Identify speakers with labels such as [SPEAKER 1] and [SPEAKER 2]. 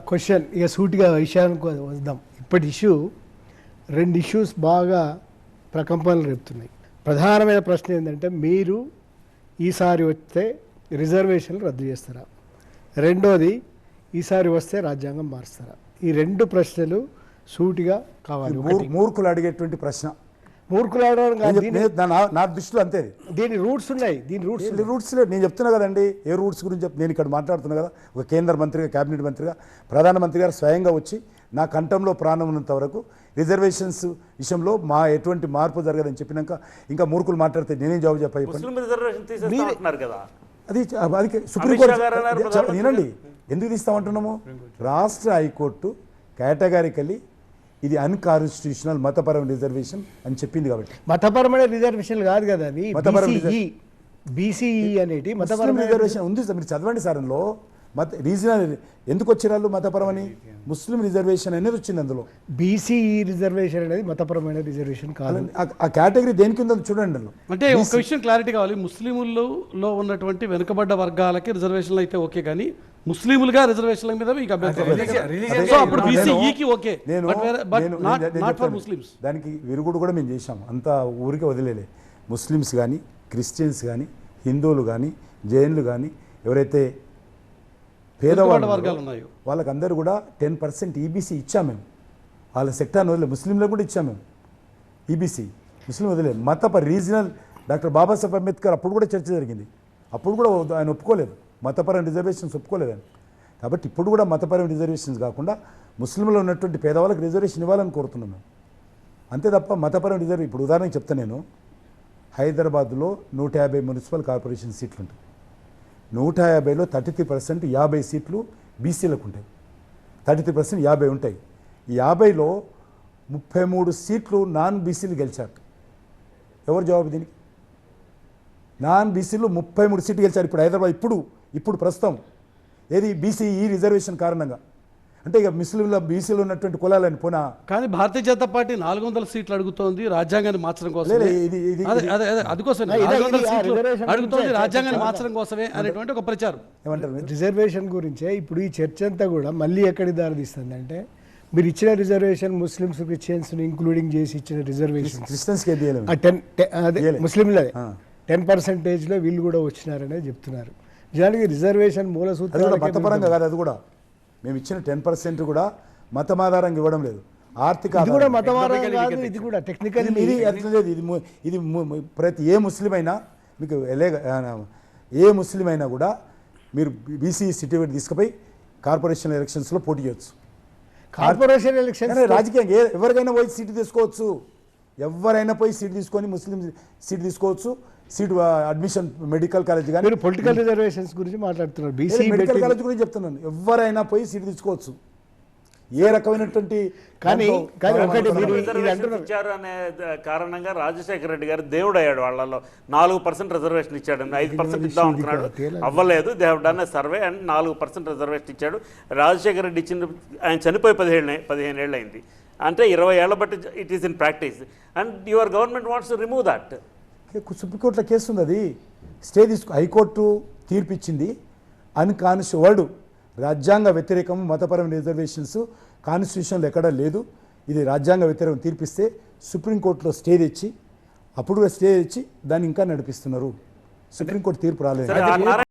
[SPEAKER 1] Question ఇక సూటిగా విషయానికి వద్దాం. ఇప్పటి ఇష్యూ 2 ఇష్యూస్ బాగా ప్రకంపనలు రేపుతున్నాయి. ప్రధానమైన ప్రశ్న ఏంటంటే, మీరు ఈసారి వస్తే రిజర్వేషన్లు రద్దు చేస్తారా, రెండోది ఈసారి వస్తే రాజ్యాంగం మారుస్తారా? ఈ 2 ప్రశ్నలు సూటిగా కావాలి.
[SPEAKER 2] మూర్ఖులు అడిగేటువంటి ప్రశ్న.
[SPEAKER 1] మూర్ఖులు అడగడం కాదు,
[SPEAKER 2] నా దృష్టిలో అంతే.
[SPEAKER 1] దీని రూట్స్ ఉన్నాయి.
[SPEAKER 2] రూట్స్ నేను చెప్తున్నా కదండి. ఏ రూట్స్ గురించి నేను ఇక్కడ మాట్లాడుతున్నా కదా. ఒక కేంద్ర మంత్రిగా, కేబినెట్ మంత్రిగా, ప్రధానమంత్రి గారు స్వయంగా వచ్చి నా కంఠంలో ప్రాణం ఉన్నంత వరకు రిజర్వేషన్స్ విషయంలో ఎటువంటి మార్పు జరగదని చెప్పినాక ఇంకా మూర్ఖులు మాట్లాడితే నేనేం జవాబు చెప్పాలి? అది సుప్రీంకోర్టు వినండి, ఎందుకు తీస్తామంటున్నాము? రాష్ట్ర హైకోర్టు కేటగారికల్లీ ఇది అన్కాన్స్టిట్యూషనల్ మతపరమైన రిజర్వేషన్ అని చెప్పింది. కాబట్టి
[SPEAKER 1] మతపరమైన రిజర్వేషన్ కాదు కదా, అది బీసీఈ అనేది మతపరమైన
[SPEAKER 2] రిజర్వేషన్ ఉంది. మీరు చదవండి సార్. అందులో రీజనల్ ఎందుకు వచ్చిరాళ్ళు మతపరమని ముస్లిం రిజర్వేషన్ అనేది వచ్చింది. అందులో
[SPEAKER 1] బీసీఈ రిజర్వేషన్ అనేది మతపరమైన రిజర్వేషన్ కాదు.
[SPEAKER 2] ఆ కేటగిరీ దేనికి ఉందో చూడండి. అందులో
[SPEAKER 3] అంటే ఒక విషయం క్లారిటీ కావాలి. ముస్లింలలో ఉన్నటువంటి వెనుకబడ్డ వర్గాలకి రిజర్వేషన్లు అయితే ఓకే, కానీ ముస్లింలుగా రిజర్వేషన్ల మీద మీకు
[SPEAKER 2] దానికి విరుగుడు కూడా మేము చేశాం. అంతా ఊరికే వదిలేలే. ముస్లిమ్స్ కానీ, క్రిస్టియన్స్ కానీ, హిందువులు కానీ, జైన్లు కానీ, ఎవరైతే పేదవాళ్ళు వర్గాలు ఉన్నాయో వాళ్ళకందరూ కూడా 10% ఈబీసీ ఇచ్చాము మేము. వాళ్ళ సెక్టార్ని వదిలే. ముస్లింలకు కూడా ఇచ్చాము మేము ఈబీసీ. ముస్లిం వదిలే. రీజనల్ డాక్టర్ బాబాసాహెబ్ అంబేద్కర్ అప్పుడు కూడా చర్చ జరిగింది. అప్పుడు కూడా ఆయన ఒప్పుకోలేదు, మతపరమైన రిజర్వేషన్స్ ఒప్పుకోలేదని. కాబట్టి ఇప్పుడు కూడా మతపరమైన రిజర్వేషన్స్ కాకుండా ముస్లింలో ఉన్నటువంటి పేదవాళ్ళకి రిజర్వేషన్ ఇవ్వాలని కోరుతున్నాం మేము. అంతే తప్ప మతపరమైన రిజర్వ్. ఇప్పుడు ఉదాహరణకి చెప్తాను నేను. హైదరాబాద్లో 150 మున్సిపల్ కార్పొరేషన్ సీట్లు ఉంటాయి. 150లో 33% 50 సీట్లు బీసీలకు ఉంటాయి. 33% 50 ఉంటాయి. ఈ 50లో 33 సీట్లు నాన్ బీసీలు గెలిచారు. ఎవరు జవాబు దీనికి? నాన్ బీసీలు 33 సీట్లు గెలిచారు ఇప్పుడు హైదరాబాద్. ఇప్పుడు ప్రస్తుతం ఏది బీసీఈ రిజర్వేషన్ కారణంగా. అంటే ఇక ముస్లింల బీసీలో ఉన్నటువంటి కులాలని పోనా.
[SPEAKER 3] కానీ భారతీయ జనతా పార్టీ 400 సీట్లు అడుగుతోంది రాజ్యాంగాన్ని మార్చడం కోసం. అడుగుతోంది రాజ్యాంగాన్ని మార్చడం కోసమే అనేటువంటి ఒక ప్రచారం.
[SPEAKER 2] ఏమంటారు?
[SPEAKER 1] రిజర్వేషన్ గురించే ఇప్పుడు ఈ చర్చ అంతా కూడా మళ్ళీ ఎక్కడికి దారితీస్తుంది అంటే, మీరు ఇచ్చిన రిజర్వేషన్ ముస్లిమ్స్, క్రిస్టియన్స్ ఇంక్లూడింగ్ చేసి ఇచ్చిన రిజర్వేషన్ ముస్లింలే 10%లో వీళ్ళు కూడా వచ్చినారనే చెప్తున్నారు. నిజానికి రిజర్వేషన్ మూల సూత్రాలు
[SPEAKER 2] మతపరంగా కాదు. అది కూడా మేము ఇచ్చిన 10% కూడా మతమాధారంగా ఇవ్వడం లేదు. ఆర్థిక
[SPEAKER 1] ఇది కూడా టెక్నికల్.
[SPEAKER 2] ఇది ప్రతి ఏ ముస్లిం అయినా మీకు ఏ ముస్లిం అయినా కూడా మీరు బీసీ సర్టిఫికేట్ తీసుకుపోయి కార్పొరేషన్ ఎలక్షన్స్లో పోటీ చేయొచ్చు.
[SPEAKER 1] కార్పొరేషన్ ఎలక్షన్
[SPEAKER 2] రాజకీయంగా ఎవరికైనా పోయి సీటు తీసుకోవచ్చు. ఎవరైనా పోయి సీటు తీసుకొని ముస్లిం సీటు తీసుకోవచ్చు. సీటు అడ్మిషన్ మెడికల్ కాలేజ్ కానీ.
[SPEAKER 1] మీరు పొలిటికల్ రిజర్వేషన్స్ గురించి మాట్లాడుతున్నారు. బీసీ
[SPEAKER 2] మెడికల్ కాలేజ్ గురించి చెప్తున్నాను. ఎవరైనా పోయి సీటు తీసుకోవచ్చు. ఏ రకమైనటువంటి
[SPEAKER 4] ఇచ్చారు అనే కారణంగా రాజశేఖర రెడ్డి గారు దేవుడు అయ్యాడు. వాళ్ళలో 4% రిజర్వేషన్ ఇచ్చాడు. 5% ఇద్దాం అనుకున్నాడు, అవ్వలేదు. దేవుడు అనే సర్వే అండ్ 4% రిజర్వేషన్ ఇచ్చాడు. రాజశేఖర రెడ్డి ఇచ్చిన ఆయన చనిపోయి 15 ఏళ్ళు అయింది. అంటే 20 ఏళ్ల బట్టి it is in practice. And your government wants to remove that.
[SPEAKER 2] సుప్రీంకోర్టులో కేసు ఉంది. అది స్టే హైకోర్టు తీర్పు ఇచ్చింది. అన్కాన్స్టిట్యూవర్డ్ రాజ్యాంగ వ్యతిరేకం మతపరమైన రిజర్వేషన్స్ కాన్స్టిట్యూషన్లో ఎక్కడా లేదు. ఇది రాజ్యాంగ వ్యతిరేకం తీర్పిస్తే సుప్రీంకోర్టులో స్టే తెచ్చి, అప్పుడు స్టే తెచ్చి దాన్ని ఇంకా నడిపిస్తున్నారు. సుప్రీంకోర్టు తీర్పు రాలేదు.